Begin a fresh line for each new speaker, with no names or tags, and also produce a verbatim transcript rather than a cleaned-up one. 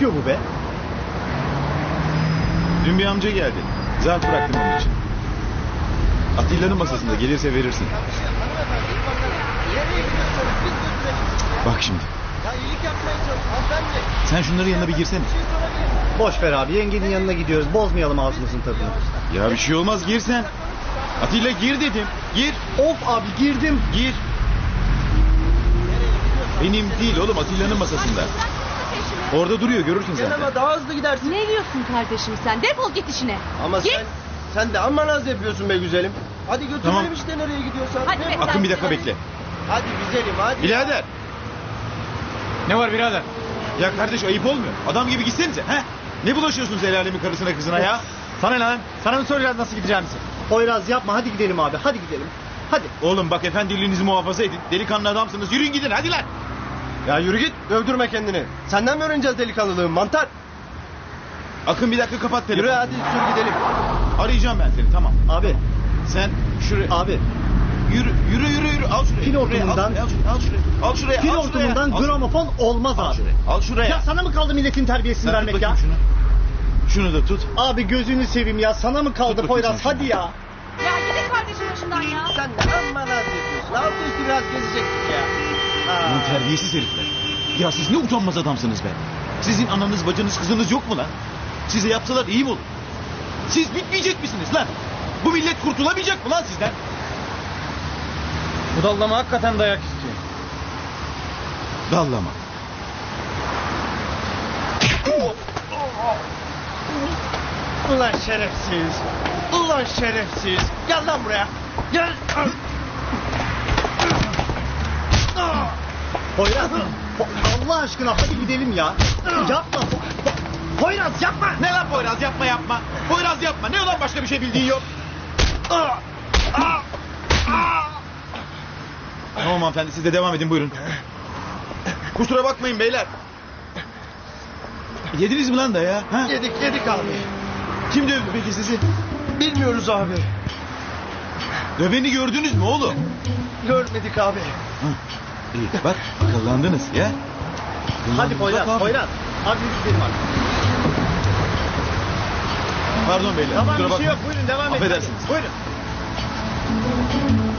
diyor bu be?
Dün bir amca geldi. Zarf bıraktım onun için. Atilla'nın masasında, gelirse verirsin. Bak şimdi. Sen şunların yanına bir girsene.
Boş ver abi, yengenin yanına gidiyoruz. Bozmayalım ağzımızın tadını.
Ya bir şey olmaz, gir sen. Atilla gir dedim. Gir.
Of abi, girdim.
Gir. Benim değil oğlum, Atilla'nın masasında. Orada duruyor, görürsün sen.
Ama daha hızlı gidersin.
Ne diyorsun kardeşim sen? Defol git işine.
Ama
Git.
sen sen de amma naz yapıyorsun be güzelim. Hadi götürelim
Tamam.
işte nereye gidiyorsan.
Hadi be.
Akın bir dakika bekle.
Hadi güzelim hadi.
Birader.
Ne var birader?
Ya kardeş ayıp olmuyor. Adam gibi gitsenize. He? Ne bulaşıyorsunuz el alemin karısına kızına ya?
Sana ne lan? Sana mı soracağız nasıl gideceğimizi?
Poyraz yapma, hadi gidelim abi, hadi gidelim. Hadi.
Oğlum bak efendiliğinizi muhafaza edin. Delikanlı adamsınız. Yürüyün gidin hadi lan.
Ya yürü git dövdürme kendini. Senden mi öğreneceğiz delikanlılığı mantar?
Akın bir dakika kapat telefonu.
Yürü hadi sür gidelim.
Arayacağım ben seni tamam.
Abi,
Sen şuraya.
abi.
Yürü yürü yürü yürü. Al şuraya.
Fil
Şuraya,
hortumundan-
Al, al şuraya. Al şuraya. Al şuraya.
Fil
al
hortumundan
şuraya. Al-
gramofon olmaz
Al
abi.
şuraya. Al şuraya.
Ya sana mı kaldı milletin terbiyesini
Sen tut
vermek ya?
bakayım Şunu. Şunu da tut.
Abi gözünü seveyim ya, sana mı kaldı
Tut bakayım
Poyraz,
sen
hadi ya.
Ya gidin kardeşim başından ya.
Sen de amma naz yapıyorsun. Altı üstü biraz gezecektik ya.
Lan terbiyesiz herifler. Ya siz ne utanmaz adamsınız be. Sizin ananız bacınız kızınız yok mu lan? Size yapsalar iyi mi olur? Siz bitmeyecek misiniz lan? Bu millet kurtulamayacak mı lan sizden?
Bu dallama hakikaten dayak istiyor.
Dallama.
Ulan şerefsiz. Ulan şerefsiz. Gel lan buraya. Gel.
Poyraz, Po- Allah aşkına hadi gidelim ya. Yapma. Po- Poyraz yapma.
Ne lan Poyraz yapma yapma. Poyraz yapma. Ne ulan başka bir şey bildiğin yok. Tamam hanımefendi siz de devam edin buyurun. Kusura bakmayın beyler. Yediniz mi lan da ya? Ha?
Yedik yedik abi.
Kim dövdü peki sizi?
Bilmiyoruz abi.
Döveni gördünüz mü oğlum?
Görmedik abi.
Hı. İyi bak akıllandınız ya.
Hadi
Akıllandınız.
Poyraz,
Bak abi.
Poyraz. Hadi biz gidelim artık.
Pardon beyler
Tamam
kusura
bir şey
bakmayın.
yok, buyurun devam edin.
Affedersiniz.
Buyurun.